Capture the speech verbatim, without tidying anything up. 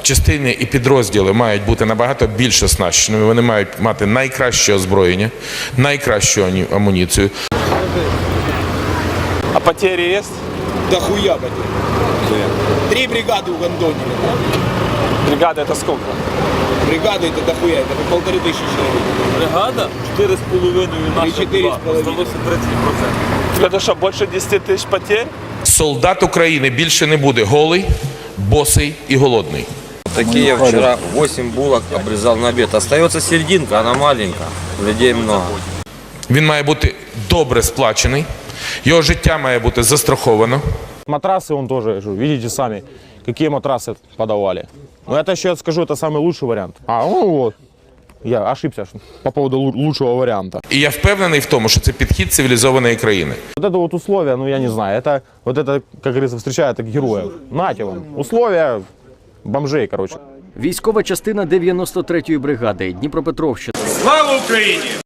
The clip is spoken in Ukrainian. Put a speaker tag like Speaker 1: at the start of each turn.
Speaker 1: частини і підрозділи мають бути набагато більш оснащеними, вони мають мати найкраще озброєння, найкращу амуніцію.
Speaker 2: А потери есть?
Speaker 3: Да хуя потери. Три бригады угандонили.
Speaker 2: Бригада это сколько?
Speaker 3: Бригады это дохуя, это по полторы тысячи человек.
Speaker 4: Бригада чотири з половиною, наша
Speaker 3: чотири
Speaker 4: два.
Speaker 3: з половиною.
Speaker 4: Здалося тридцять відсотків.
Speaker 2: Это что, больше десяти тысяч потерь?
Speaker 1: Солдат України більше не буде голий, босий і голодний.
Speaker 5: Такие я вчера восемь булок обрезал на обед. Остается серединка, она маленькая. Людей много.
Speaker 1: Він має бути добре сплачений, його життя має бути застраховано.
Speaker 6: Матрасы он тоже, видите сами, какие матрасы подавали. Но это еще, я скажу, это самый лучший вариант. А, ну вот, я ошибся по поводу лучшего варианта.
Speaker 1: І я впевнений в тому, що це підхід цивілізованої країни.
Speaker 6: Вот это вот условия, ну я не знаю, это, вот это, как говорится, встречают так героев. Нате вам, условия бомжей, короче.
Speaker 7: Військова частина дев'яносто третьої бригади Дніпропетровщина.
Speaker 1: Слава Україні!